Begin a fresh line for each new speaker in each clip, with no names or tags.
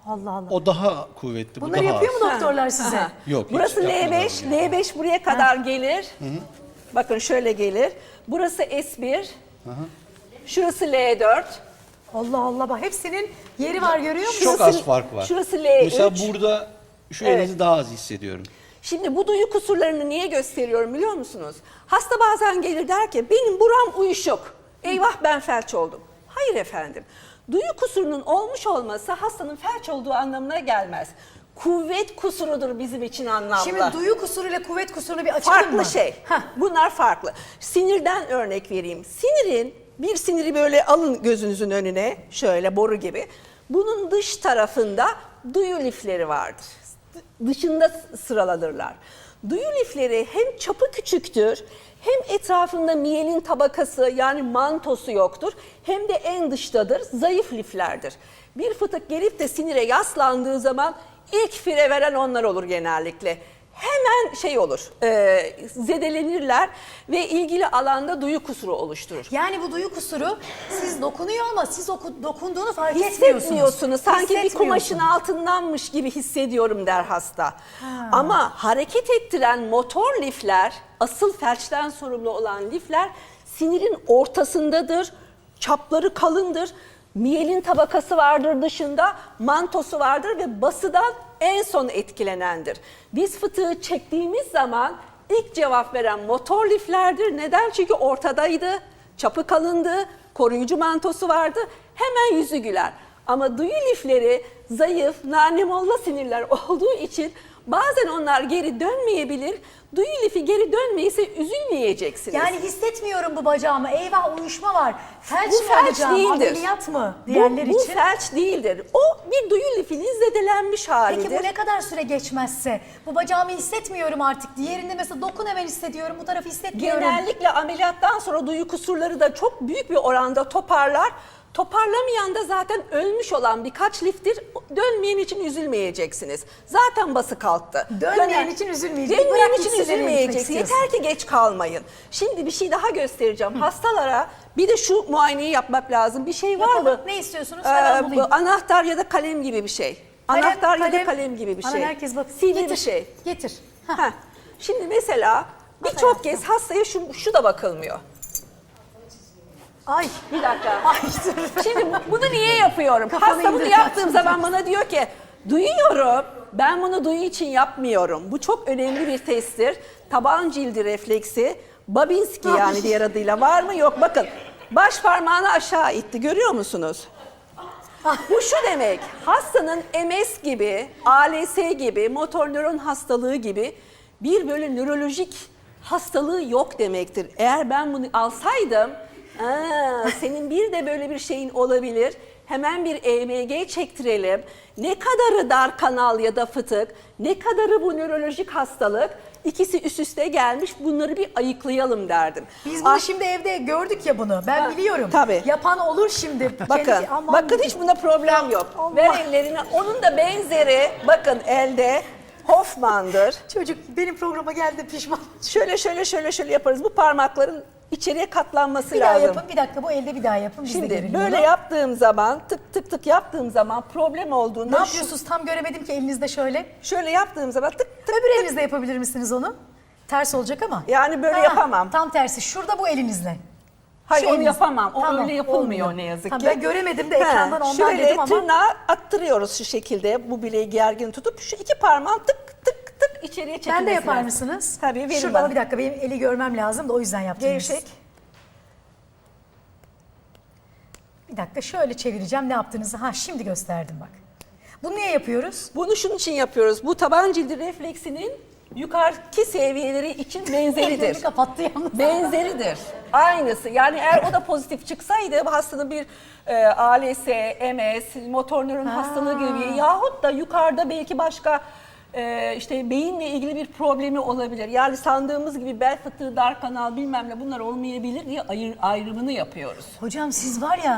Allah Allah.
O daha kuvvetli, bu
Bunları
daha
yapıyor
az.
mu doktorlar size?
Aha.
Yok, hiç
Burası
yapmadan
L5,
bunu.
L5 buraya kadar gelir. Bakın şöyle gelir. Burası S1. Şurası L4.
Allah Allah, bak hepsinin yeri var, görüyor musun?
Çok az fark var.
Şurası L3.
Mesela burada şu
Evet.
elinizi daha az hissediyorum.
Şimdi bu duyu kusurlarını niye gösteriyorum biliyor musunuz? Hasta bazen gelir der ki benim buram uyuşuk. Eyvah ben felç oldum. Hayır efendim. Duyu kusurunun olmuş olması hastanın felç olduğu anlamına gelmez. Kuvvet kusurudur bizim için anlamda.
Şimdi duyu kusuruyla kuvvet kusurunu bir açalım mı?
Farklı şey.
Heh.
Bunlar farklı. Sinirden örnek vereyim. Bir siniri böyle alın gözünüzün önüne, şöyle boru gibi. Bunun dış tarafında duyu lifleri vardır. Dışında sıralanırlar. Duyu lifleri hem çapı küçüktür, hem etrafında miyelin tabakası yani mantosu yoktur, hem de en dıştadır, zayıf liflerdir. Bir fıtık gelip de sinire yaslandığı zaman ilk fire veren onlar olur genellikle. Hemen şey olur, zedelenirler ve ilgili alanda duyu kusuru oluşturur.
Yani bu duyu kusuru siz dokunuyor ama siz dokunduğunu fark etmiyorsunuz.
Hissetmiyorsunuz. Sanki bir kumaşın
Hissetmiyorsunuz.
altındanmış gibi hissediyorum der hasta. Ama hareket ettiren motor lifler, asıl felçten sorumlu olan lifler sinirin ortasındadır. Çapları kalındır. Miyelin tabakası vardır dışında, mantosu vardır ve basıdan en son etkilenendir. Biz fıtığı çektiğimiz zaman ilk cevap veren motor liflerdir. Neden? Çünkü ortadaydı, çapı kalındı, koruyucu mantosu vardı. Hemen yüzü güler. Ama duyu lifleri zayıf, nanemolla sinirler olduğu için bazen onlar geri dönmeyebilir. Duyu lifi geri dönmeyse üzülmeyeceksiniz.
Yani hissetmiyorum bu bacağımı, eyvah uyuşma var. Felç
Bu
mi
felç
olacağım,
değildir.
ameliyat mı diğerleri
bu
için?
felç değildir. O bir duyu lifinin zedelenmiş halidir.
Peki bu ne kadar süre geçmezse? Bu bacağımı hissetmiyorum artık. Diğerinde mesela dokun hemen hissediyorum, bu tarafı hissetmiyorum.
Genellikle ameliyattan sonra duyu kusurları da çok büyük bir oranda toparlar. Toparlamayan da zaten ölmüş olan birkaç liftir. Dönmeyen için üzülmeyeceksiniz. Zaten bası kalktı.
Dönmeyen için üzülmeyecek.
Dönmeyen
Bırak
için
gitsin, nereye gitmek
üzülmeyeceksiniz.
istiyorsun?
Yeter ki geç kalmayın. Şimdi bir şey daha göstereceğim. Hastalara bir de şu muayeneyi yapmak lazım. Bir şey var
Yapalım.
mı?
Ne istiyorsunuz? Hemen bulayım.
Bu anahtar ya da kalem gibi bir şey. Anahtar ya da kalem gibi bir
Aman
şey.
herkes bak.
Sivri
Getir,
bir şey.
Getir.
Heh. Şimdi mesela birçok kez hastaya şu da bakılmıyor.
Ay.
Bir dakika.
Ay dur.
Şimdi bunu niye yapıyorum?
Kafanı
Hasta bunu
indir,
yaptığım
kafanı
zaman bana diyor ki duyuyorum. Ben bunu duyu için yapmıyorum. Bu çok önemli bir testtir. Taban cildi refleksi. Babinski yani diğer adıyla var mı? Yok. Bakın baş parmağını aşağı itti. Görüyor musunuz? Bu şu demek, hastanın MS gibi, ALS gibi, motor nöron hastalığı gibi bir böyle nörolojik hastalığı yok demektir. Eğer ben bunu alsaydım, senin bir de böyle bir şeyin olabilir, hemen bir EMG çektirelim. Ne kadarı dar kanal ya da fıtık, ne kadarı bu nörolojik hastalık, ikisi üst üste gelmiş, bunları bir ayıklayalım derdim.
Biz bunu şimdi evde gördük ya bunu. Ben biliyorum.
tabii.
Yapan olur şimdi.
Bakın, bakın hiç bunda problem yok.
Allah.
Ver ellerini. Onun da benzeri, bakın elde Hoffman'dır.
Çocuk benim programa geldi pişman.
Şöyle yaparız. Bu parmakların içeriye katlanması
Bir daha
lazım.
yapın, bir dakika bu elde bir daha yapın. Biz de
Şimdi
görelim
böyle
bunu.
yaptığım zaman, tık tık tık yaptığım zaman problem olduğunda
Ne yapıyorsunuz? Tam göremedim ki elinizde şöyle.
şöyle yaptığım zaman tık tık
Öbür elinizle yapabilir misiniz onu? Ters olacak ama.
yani böyle yapamam.
Tam tersi. Şurada bu elinizle.
Hayır
Şu
onu
elinizle.
yapamam. O
Tamam,
öyle yapılmıyor
olmuyor.
ne yazık
Tamam,
ki.
ben göremedim de ekrandan ondan
şöyle
dedim ama.
tırnağı attırıyoruz şu şekilde. Bu bileği gergin tutup şu iki parmağın tık tık tık içeriye çekilmesi
Ben de yapar
lazım.
mısınız?
Tabii verin
Şurada
bana.
ama bir dakika benim eli görmem lazım da o yüzden yaptım.
Gevşek.
Bir dakika şöyle çevireceğim ne yaptığınızı. Ha şimdi gösterdim bak. Bunu niye yapıyoruz?
Bunu şunun için yapıyoruz. Bu taban cildi refleksinin yukarıki seviyeleri için
Ellerini
benzeridir.
kapattı yalnız.
Benzeridir. Aynısı. Yani eğer o da pozitif çıksaydı bu hastanın bir ALS, MS, motor nöron hastalığı gibi yahut da yukarıda belki başka işte beyinle ilgili bir problemi olabilir. Yani sandığımız gibi bel fıtığı, dar kanal bilmem ne bunlar olmayabilir diye ayrımını yapıyoruz.
Hocam siz var ya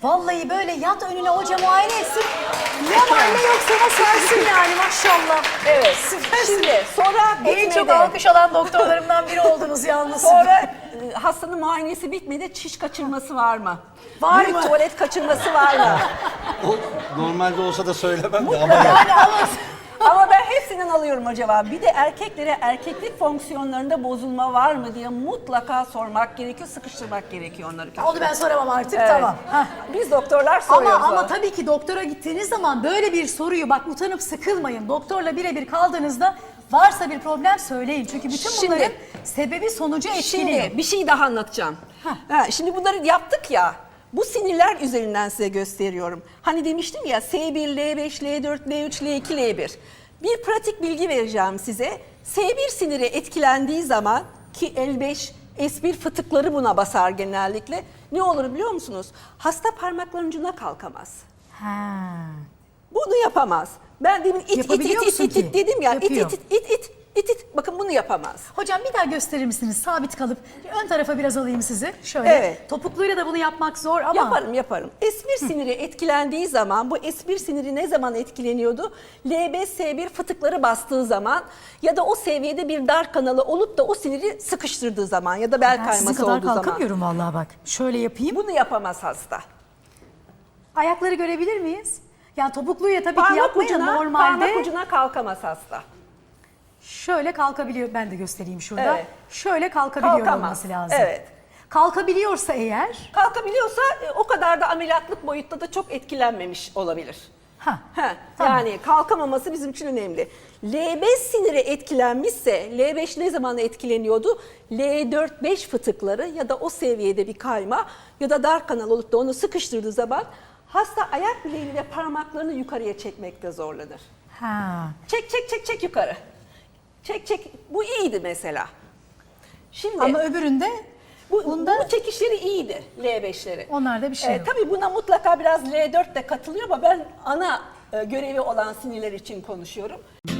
Vallahi böyle yat önüne hoca muayene etsin. Ne var ne yok sana sarsın yani maşallah.
Evet.
Süpersin.
Şimdi sonra
En çok
bitmedi.
alkış alan doktorlarımdan biri oldunuz yalnız.
Sonra hastanın muayenesi bitmedi. Çiş kaçırması var mı?
Var
Büyük
mı?
tuvalet kaçırması var mı?
O normalde olsa da söylemem de ama
Yani ama
Ama ben hepsinden alıyorum o cevabı. Bir de erkeklere erkeklik fonksiyonlarında bozulma var mı diye mutlaka sormak gerekiyor, sıkıştırmak gerekiyor onları.
onu ben soramam artık
Evet.
tamam. Hah.
Biz doktorlar soruyoruz.
Ama tabii ki doktora gittiğiniz zaman böyle bir soruyu bak utanıp sıkılmayın. Doktorla birebir kaldığınızda varsa bir problem söyleyin. Çünkü bütün bunların
Şimdi-
sebebi sonucu etkiliyor.
Şimdi bir şey daha anlatacağım. Şimdi bunları yaptık ya. Bu sinirler üzerinden size gösteriyorum. Hani demiştim ya S1, L5, L4, L3, L2, L1. Bir pratik bilgi vereceğim size. S1 siniri etkilendiği zaman ki L5, S1 fıtıkları buna basar genellikle. Ne olur biliyor musunuz? Hasta parmaklarının ucuna kalkamaz.
Ha.
Bunu yapamaz. Ben demin it
Yapabiliyor musun
it
ki?
dedim ya.
Yapıyor.
It. Bakın bunu yapamaz.
Hocam bir daha gösterir misiniz? Sabit kalıp ön tarafa biraz alayım sizi. Şöyle.
Evet.
Topukluyla da bunu yapmak zor ama.
Yaparım. S1 siniri etkilendiği zaman, bu S1 siniri ne zaman etkileniyordu? L5, S1 fıtıkları bastığı zaman ya da o seviyede bir dar kanalı olup da o siniri sıkıştırdığı zaman ya da bel
Ben sizin
kayması
kadar
olduğu zaman.
kalkamıyorum vallahi bak. Şöyle yapayım.
Bunu yapamaz hasta.
Ayakları görebilir miyiz? Yani topukluyla tabii ki yapmayın normalde.
Parmak ucuna kalkamaz hasta.
Şöyle kalkabiliyor. Ben de göstereyim şurada.
Evet.
Şöyle kalkabiliyor
Kalkamaz.
olması lazım.
Evet.
Kalkabiliyorsa eğer.
Kalkabiliyorsa o kadar da ameliyatlık boyutta da çok etkilenmemiş olabilir.
Ha.
Ha,
Tamam.
Yani kalkamaması bizim için önemli. L5 siniri etkilenmişse, L5 ne zaman etkileniyordu? L4-5 fıtıkları ya da o seviyede bir kayma ya da dar kanal olup da onu sıkıştırdığı zaman hasta ayak bileğiyle parmaklarını yukarıya çekmekte zorlanır.
Ha.
Çek yukarı. Çek. Bu iyiydi mesela. Şimdi
Ama öbüründe
bu çekişleri iyiydi L5'leri.
onlarda bir şey yok.
Tabii buna mutlaka biraz L4 de katılıyor ama ben ana görevi olan sinirler için konuşuyorum.